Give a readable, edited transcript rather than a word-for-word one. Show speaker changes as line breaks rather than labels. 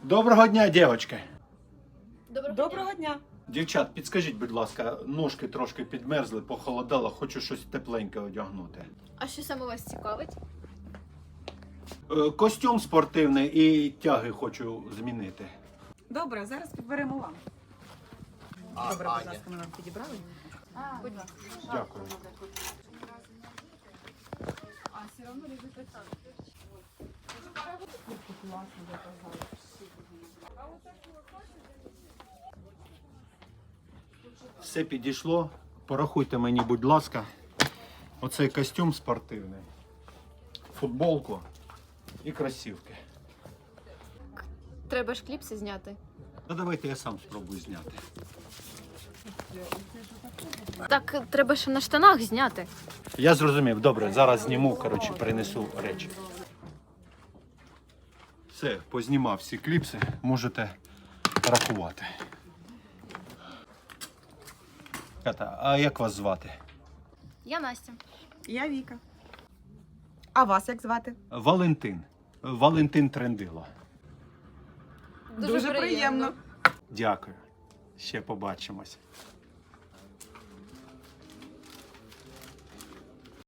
Доброго дня, дівчатки.
Доброго дня.
Дівчат, підскажіть, будь ласка, ножки трошки підмерзли, похолодало, хочу щось тепленьке одягнути.
А що саме вас цікавить?
Костюм спортивний і тяги хочу змінити.
Добре, зараз підберемо вам. Добре, будь ласка, ми вам підібрали.
Будь ласка.
Дякую. Все підійшло. Порахуйте мені, будь ласка, оцей костюм спортивний, футболку і кросівки.
Треба ж кліпси зняти.
Ну давайте я сам спробую зняти.
Так, треба ще на штанах зняти.
Я зрозумів, добре, зараз зніму, коротше, принесу речі. Все, познімав всі кліпси, можете рахувати. Ката, а як вас звати?
Я Настя.
Я Віка. А вас як звати?
Валентин. Валентин Трендило.
Дуже приємно.
Дякую. Ще побачимось.